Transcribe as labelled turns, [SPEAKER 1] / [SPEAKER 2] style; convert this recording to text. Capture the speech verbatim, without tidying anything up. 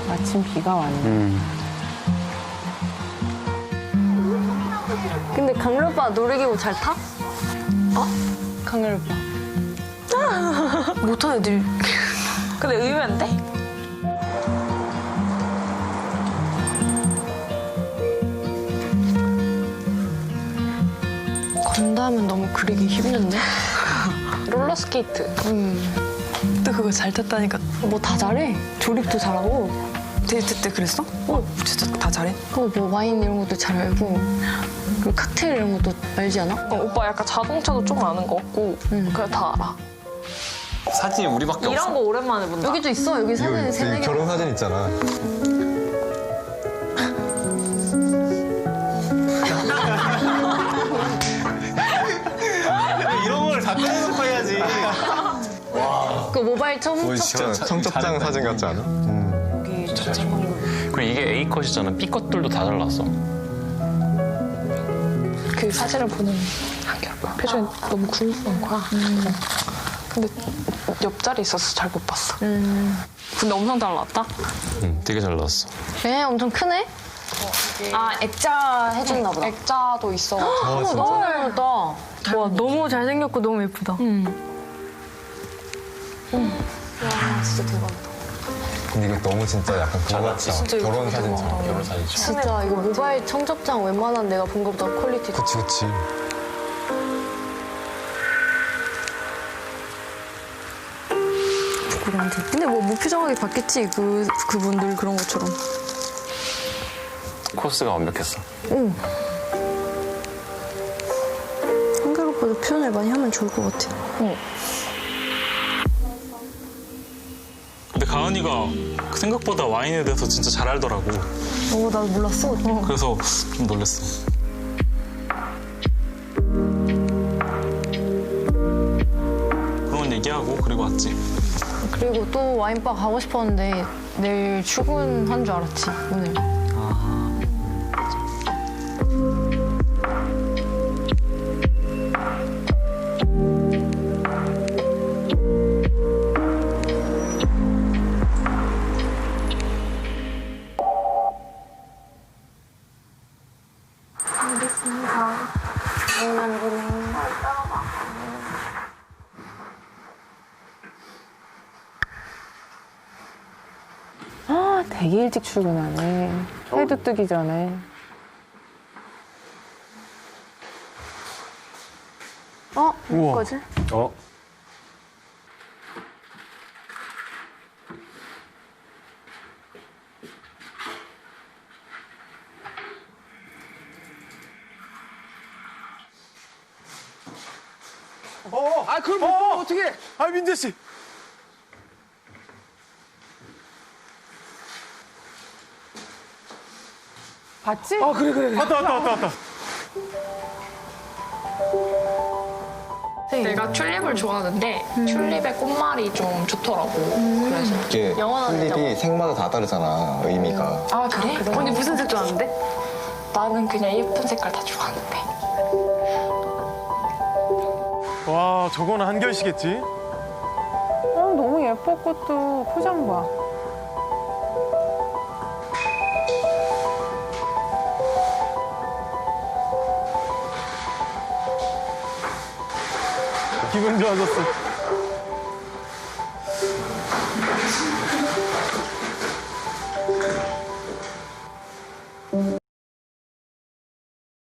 [SPEAKER 1] 마침 비가 왔네.
[SPEAKER 2] 음.
[SPEAKER 3] 근데 강렬 오빠 놀이기구 잘 타? 어? 강렬 오빠. 못하는 애들. 근데 의외인데? 건담은 너무 그리기 힘든데? 롤러스케이트. 음. 또 그거 잘 탔다니까. 뭐 다 잘해. 조립도 잘하고.
[SPEAKER 4] 데이트 때 그랬어?
[SPEAKER 3] 어,
[SPEAKER 4] 진짜 다 잘해?
[SPEAKER 3] 어, 뭐 와인 이런 것도 잘 알고. 그리고 칵테일 이런 것도 알지 않아?
[SPEAKER 5] 어, 오빠 약간 자동차도 좀 아는 거 같고
[SPEAKER 3] 응.
[SPEAKER 5] 그래 다 알아.
[SPEAKER 2] 사진이 우리밖에
[SPEAKER 5] 이런
[SPEAKER 2] 없어.
[SPEAKER 5] 거 오랜만에 본다.
[SPEAKER 3] 여기도 있어. 여기 사진 세네 개.
[SPEAKER 6] 결혼 사진 있잖아.
[SPEAKER 2] 이런 걸 다 떼놓고 해야지.
[SPEAKER 3] 그 모바일 청
[SPEAKER 6] 뭐 진짜 청첩장 사진 같지 않아? 음.
[SPEAKER 2] 그리고 이게 A 컷이잖아. B 컷들도 다 잘랐어.
[SPEAKER 5] 그 사진을 보는 한결 오빠 표정이 너무 궁금한 거야. 음. 근데 옆자리 있어서 잘 못 봤어.
[SPEAKER 3] 음.
[SPEAKER 5] 근데 엄청 잘 나왔다.
[SPEAKER 2] 응, 되게 잘 나왔어.
[SPEAKER 3] 애 엄청 크네? 아, 액자 해줬나 보다.
[SPEAKER 5] 액자도 있어.
[SPEAKER 6] 아, 진짜?
[SPEAKER 3] 너무 잘 나왔다.
[SPEAKER 7] 와, 너무 잘생겼고 너무 예쁘다.
[SPEAKER 3] 와, 진짜 대박이다.
[SPEAKER 6] 근데 이게 너무 진짜 약간 그거 같다. 결혼 사진처럼.
[SPEAKER 2] 결혼 사진.
[SPEAKER 3] 진짜 이거 모바일 청첩장 웬만한 내가 본 것보다 퀄리티 좋아.
[SPEAKER 6] 그치, 그치.
[SPEAKER 7] 부끄러운데. 근데 뭐 무표정하게 봤겠지. 그, 그분들 그런 것처럼.
[SPEAKER 2] 코스가 완벽했어.
[SPEAKER 7] 한결 오빠도 표현을 많이 하면 좋을 것 같아.
[SPEAKER 8] 근데 가은이가 생각보다 와인에 대해서 진짜 잘 알더라고.
[SPEAKER 7] 어, 나도 몰랐어. 어.
[SPEAKER 8] 그래서 좀 놀랬어. 그런 얘기하고 그리고 왔지.
[SPEAKER 3] 그리고 또 와인바 가고 싶었는데 내일 출근한 줄 알았지, 오늘.
[SPEAKER 1] 아, 되게 일찍 출근하네. 해도 뜨기 전에.
[SPEAKER 7] 어? 뭐지?
[SPEAKER 6] 어?
[SPEAKER 9] 어, 아 그걸 못 보면 어떡해? 아 민재 씨.
[SPEAKER 1] 봤지?
[SPEAKER 9] 아 그래 그래. 왔다 왔다 왔다 왔다.
[SPEAKER 5] 내가 튤립을 좋아하는데 튤립의 꽃말이 좀 좋더라고. 그래서
[SPEAKER 6] 이게
[SPEAKER 3] 영원한
[SPEAKER 6] 튤립이 색마다 다 다르잖아, 의미가.
[SPEAKER 5] 아 그래?
[SPEAKER 7] 언니 무슨 색 좋아하는데?
[SPEAKER 5] 나는 그냥 예쁜 색깔 다 좋아하는데.
[SPEAKER 9] 와 저거는 한결씨겠지?
[SPEAKER 1] 어, 너무 예뻐, 꽃도. 포장 봐.
[SPEAKER 9] 기분 좋아졌어.